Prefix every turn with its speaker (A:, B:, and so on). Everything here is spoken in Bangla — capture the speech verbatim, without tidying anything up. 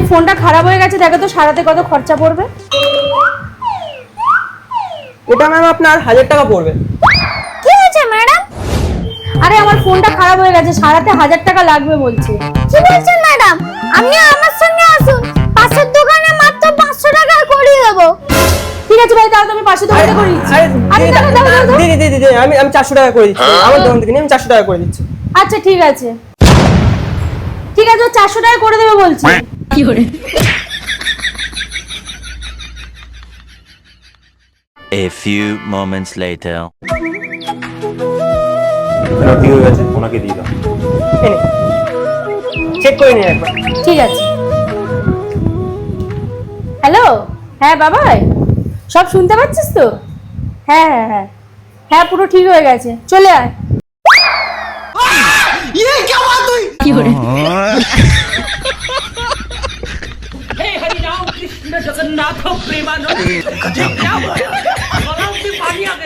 A: ফোনটা খারাপ হয়ে গেছে, দেখো তো সারাতে কত খরচা পড়বে।
B: এটা ম্যাম আপনার হাজার টাকা পড়বে।
A: কি হয়েছে ম্যাডাম? আরে আমার ফোনটা খারাপ হয়ে গেছে, সারাতে হাজার টাকা লাগবে বলছে। কি বলছেন ম্যাডাম? আপনি আমার সঙ্গে আসুন, পাশের দোকানে মাত্র পাঁচশো টাকা করিয়ে দেবো। ঠিক আছে ভাই, তাহলে তুমি পাশের দোকানে করে দিচ্ছি। আরে দাও দাও দাও।
B: দিদি দিদি দিদি আমি আমি চারশো টাকা করে দিচ্ছি, আমার দোকান থেকে নিয়ে আমি চারশো টাকা করে দিচ্ছি।
A: আচ্ছা ঠিক আছে ঠিক আছে, ও চারশো টাকা করে দেবে বলছে। কি করে?
C: A few moments later.
D: ঠিক হয়ে গেছে, ওনাকে দিয়ে দাও।
B: চেক করে নিন একবার।
A: ঠিক আছে। হ্যালো, হ্যাঁ বাবাই, সব শুনতে পাচ্ছিস তো? হ্যাঁ হ্যাঁ হ্যাঁ হ্যাঁ পুরো ঠিক হয়ে গেছে, চলে আয়। কি করে?
E: हे हरि राम कृष्ण जगन्नाथ प्रेमानंद क्या हुआ? गला में पानी आ गया।